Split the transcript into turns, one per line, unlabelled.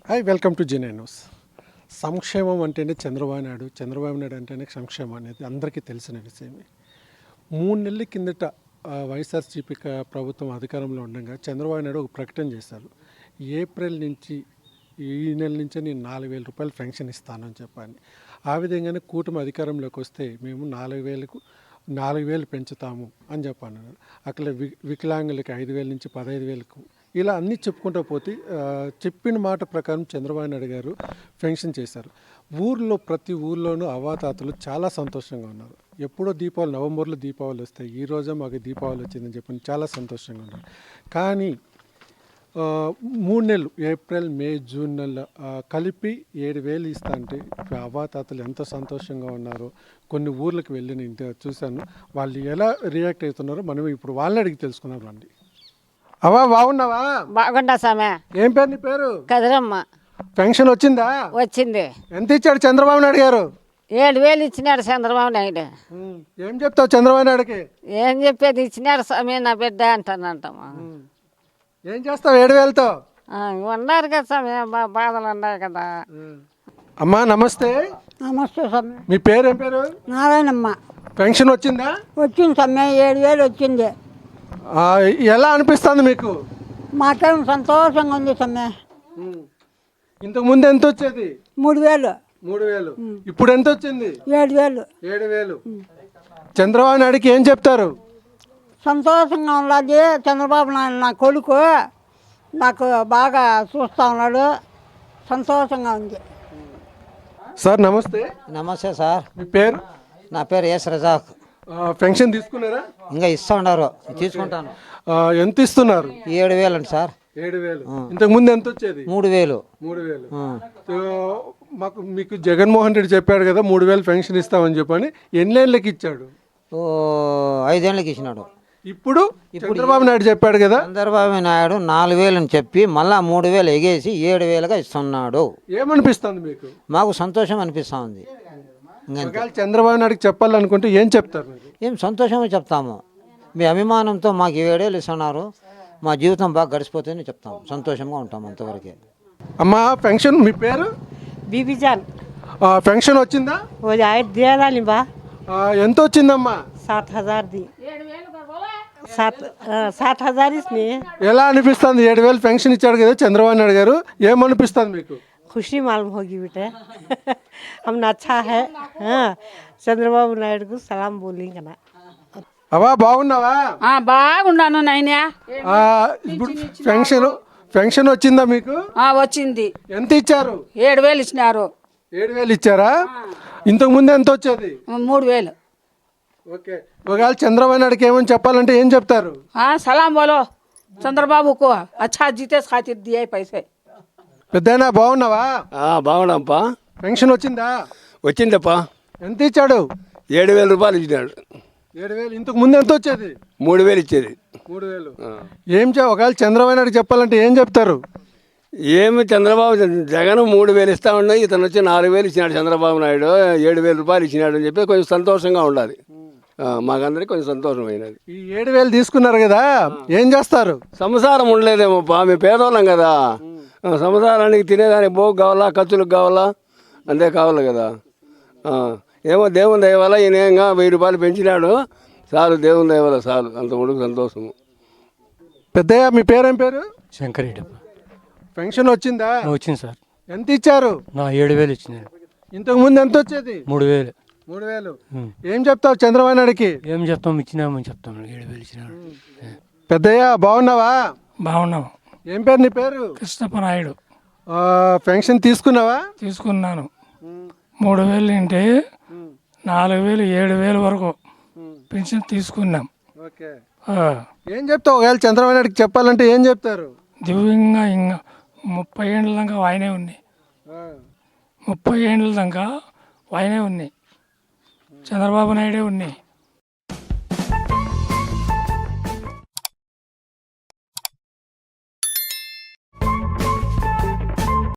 Hi, welcome to జెన్ఐ news. సంక్షేమం అంటేనే చంద్రబాబు నాయుడు అంటేనే సంక్షేమం అనేది అందరికీ తెలిసిన విషయమే. 3 నెలల కిందట వైఎస్ఆర్సీపీ ప్రభుత్వం అధికారంలో ఉండగా చంద్రబాబు నాయుడు ఒక ప్రకటన చేశారు. ఏప్రిల్ నుంచి ఈ నెల నుంచే నేను 4,000 రూపాయలు పెన్షన్ ఇస్తానని చెప్పాను. ఆ విధంగానే కూటమి అధికారంలోకి వస్తే మేము 4,000 పెంచుతాము అని చెప్పాను. అక్కడ వికలాంగులకి 5,000 నుంచి 15,000 ఇలా అన్నీ చెప్పుకుంటూ పోతే చెప్పిన మాట ప్రకారం చంద్రబాబు నాయుడు గారు పెన్షన్ చేశారు. ప్రతి ఊర్లోనూ అవాతాతలు చాలా సంతోషంగా ఉన్నారు. ఎప్పుడో నవంబర్లో దీపావళి వస్తాయి, ఈరోజే మాకు దీపావళి వచ్చిందని చెప్పి చాలా సంతోషంగా ఉన్నారు. కానీ 3 నెలలు ఏప్రిల్, మే, జూన్ నెల కలిపి 7,000 ఇస్తా అంటే అవాతాతలు ఎంత సంతోషంగా ఉన్నారో కొన్ని ఊర్లకు వెళ్ళి నేను చూశాను. వాళ్ళు ఎలా రియాక్ట్ అవుతున్నారో మనం ఇప్పుడు వాళ్ళని అడిగి తెలుసుకున్నాం. రండి. అవా, బాగున్నావా?
బాగుండా సామె.
ఏం పేరు నీ పేరు?
కదిరమ్మ.
పెన్షన్ వచ్చిందా?
వచ్చింది.
ఎంత ఇచ్చాడు చంద్రబాబు నాయుడు గారు?
7,000 ఇచ్చినాడు చంద్రబాబు నాయుడు.
ఏం చెప్తావు చంద్రబాబు నాయుడుకి?
ఏం చెప్పేది, ఇచ్చినాడు స్వామి నా బిడ్డ అంటానంటామా.
ఏం చేస్తావు 7,000తో?
ఉన్నారు కదా స్వామి, బాధలు ఉన్నాయి కదా.
అమ్మా నమస్తే.
నమస్తే స్వామి.
మీ పేరు ఏం పేరు?
నారాయణమ్మ.
పెన్షన్ వచ్చిందా?
వచ్చింది స్వామి, 7,000 వచ్చింది.
ఎలా అనిపిస్తుంది మీకు?
మాకేం సంతోషంగా ఉంది స్వామి.
ఇంతకు ముందు ఎంత వచ్చేది?
3,000.
3,000. ఇప్పుడు ఎంత వచ్చింది?
7,000.
7,000. చంద్రబాబు నాయుడుకి ఏం చెప్తారు?
సంతోషంగా ఉన్నది. చంద్రబాబు నాయుడు నా కొడుకు, నాకు బాగా చూస్తూ ఉన్నాడు. సంతోషంగా ఉంది.
సార్ నమస్తే.
నమస్తే సార్.
మీ పేరు?
నా పేరు ఎస్ రజాక్.
పెన్షన్ తీసుకున్నారా?
ఇంకా ఇస్తా ఉన్నారు, తీసుకుంటాను.
ఎంత ఇస్తున్నారు?
7,000 అండి సార్.
7,000. ఇంతకు ముందు ఎంత వచ్చేది?
3,000.
3,000. మీకు జగన్మోహన్ రెడ్డి చెప్పాడు కదా 3,000 పెన్షన్ ఇస్తామని చెప్పని. ఎన్నేళ్ళకి ఇచ్చాడు?
5 ఏళ్ళకి ఇచ్చినాడు.
ఇప్పుడు చంద్రబాబు నాయుడు చెప్పాడు కదా.
చంద్రబాబు నాయుడు 4,000 అని చెప్పి మళ్ళా 3,000 ఎగేసి 7,000గా ఇస్తున్నాడు.
ఏమనిపిస్తుంది మీకు?
మాకు సంతోషం అనిపిస్తూ ఉంది.
చంద్రబాబు నాయుడుకి చెప్పాలనుకుంటే ఏం చెప్తారు?
ఏం సంతోషమే చెప్తాము. మీ అభిమానంతో మాకు 7,000 ఇస్తున్నారు, మా జీవితం బాగా గడిచిపోతుందని చెప్తాము. సంతోషంగా ఉంటాము అంతవరకే.
అమ్మా పెన్షన్, మీ పేరు?
बीबीजान
పెన్షన్ వచ్చిందా?
वो जाए दिया डाली बा
ఎంత వచ్చిందమ్మా?
7,000 दी 7,000 इसमें
ఎలా అనిపిస్తుంది? 7,000 పెన్షన్ ఇచ్చాడు కదా చంద్రబాబు నాయుడు గారు, ఏమనిపిస్తుంది మీకు?
खुशी मालूम होगी बेटे हमने अच्छा है. हाँ चंद्रबाबु नायडू को सलाम बोलेंगे ना.
అవా బాగున్నావా?
బాగున్నాను నాయనా.
ఇప్పుడు పెన్షన్ వచ్చిందా మీకు?
వచ్చింది.
ఎంత ఇచ్చారు?
7,000 ఇచ్చినారు.
7,000 ఇచ్చారా? ఇంతకు ముందు ఎంత వచ్చేది?
3,000.
ఓకే. ఒకవేళ చంద్రబాబు నాయుడుకి ఏమని చెప్పాలంటే ఏం చెప్తారు?
సలాం బోలో చంద్రబాబుకు అచ్చా జీతే ఖాతిర్ దియే పైసే.
పెద్దయినా బాగున్నావా?
బాగున్నాంపా.
పెన్షన్ వచ్చిందా?
వచ్చిందప్పా.
ఎంత ఇచ్చాడు?
7,000 రూపాయలు ఇచ్చినాడు.
7,000. ఇంతకు ముందు ఎంత వచ్చేది?
3,000 ఇచ్చేది.
3,000. ఒకవేళ చంద్రబాబు నాయుడు చెప్పాలంటే ఏం చెప్తారు?
ఏమి చంద్రబాబు జగన్ 3,000 ఇస్తా ఉన్నాయి, ఇతను వచ్చి 4,000 ఇచ్చినాడు. చంద్రబాబు నాయుడు 7,000 రూపాయలు ఇచ్చినాడు అని చెప్పి కొంచెం సంతోషంగా ఉండాలి. మాకందరికి కొంచెం సంతోషమైనది.
ఈ 7,000 తీసుకున్నారు కదా, ఏం చేస్తారు?
సంసారం ఉండలేదేమోపా, మేము పేదవాళ్ళం కదా. సంసారానికి తినేదానికి బోగు కావాలా, ఖర్చులకు కావాలా, అంతే కావాలి కదా. ఏమో దేవుని దయ వల్ల ఈయనంగా 1,000 రూపాయలు పెంచినాడు చాలు, దేవుని దయ వల్ల చాలు, అంత ఉడుకు సంతోషము.
పెద్దయ్య, మీ పేరేం పేరు?
శంకరెడ్డి.
పెన్షన్ వచ్చిందా?
వచ్చింది సార్.
ఎంత ఇచ్చారు?
7,000 ఇచ్చినారు.
ఇంతకు ముందు ఎంత వచ్చేది?
3,000.
3,000. ఏం చెప్తావు చంద్రబాబు నాయుడుకి?
ఏం చెప్తాం, ఇచ్చినామని చెప్తాం. 7,000 ఇచ్చినాడు.
పెద్దయ్య బాగున్నావా?
బాగున్నాం.
ఏం పేరు నీ పేరు?
కృష్ణప్ప నాయుడు.
పెన్షన్ తీసుకున్నావా?
తీసుకున్నాను. 3,000 అంటే 4,000, 7,000 వరకు పెన్షన్ తీసుకున్నాం.
ఓకే. ఏం చెప్తావు ఒకవేళ చంద్రబాబు నాయుడుకి చెప్పాలంటే ఏం చెప్తారు?
దివ్యంగా ఇంకా 30 ఏళ్ళ దాకా ఆయనే ఉన్నాయి. 30 ఏళ్ళ దాకా ఆయనే ఉన్నాయి. చంద్రబాబు నాయుడే ఉన్నాయి.